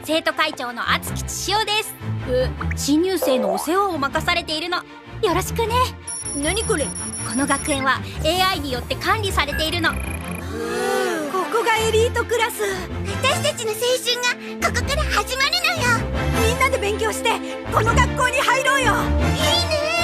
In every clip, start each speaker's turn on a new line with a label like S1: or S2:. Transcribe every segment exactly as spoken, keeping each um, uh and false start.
S1: 生徒会長の厚木千代です。え、新入生のお世話を任されているの。よろしくね。
S2: 何これ？
S1: この学園は エーアイ によって管理されているの。
S2: ここがエリートクラス。
S3: 私たちの青春がここから始まるのよ。
S2: みんなで勉強してこの学校に入ろうよ。
S3: いいね。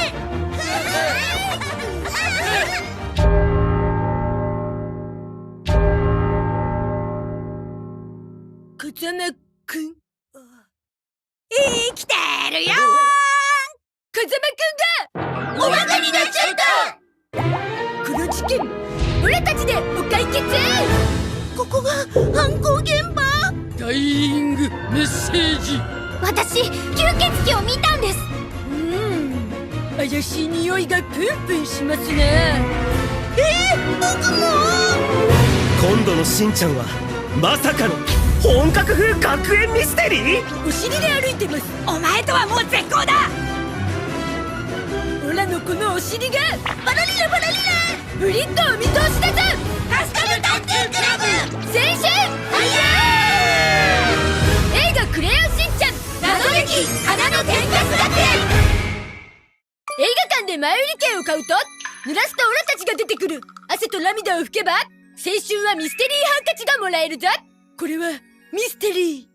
S2: 風間くん生きてるよー。風間くんが
S3: おバカになっちゃった。
S2: この事件オラたちでお解決。
S3: ここが犯行現場。
S4: ダイイングメッセージ。
S1: 私吸血鬼を見たんです。
S2: うーん怪しい匂いがプンプンしますね。
S3: えー、僕も。
S5: 今度のしんちゃんはまさかの本格風学園ミステリー。
S2: お尻で歩いてます。お前とはもう絶交だ。オラのこのお尻が
S3: バラリラバラリラ。
S2: ブリッドお見通しだぞ。
S3: カスタム探偵クラブ
S2: 青春
S3: ファイヤ
S2: 映画クレヨンしんちゃん
S3: ー。謎劇花の天カス学園。
S2: 映画館で前売り券を買うと濡らすとオラたちが出てくる汗と涙を拭けば青春はミステリーハンカチがもらえるぞ。これはミステリー。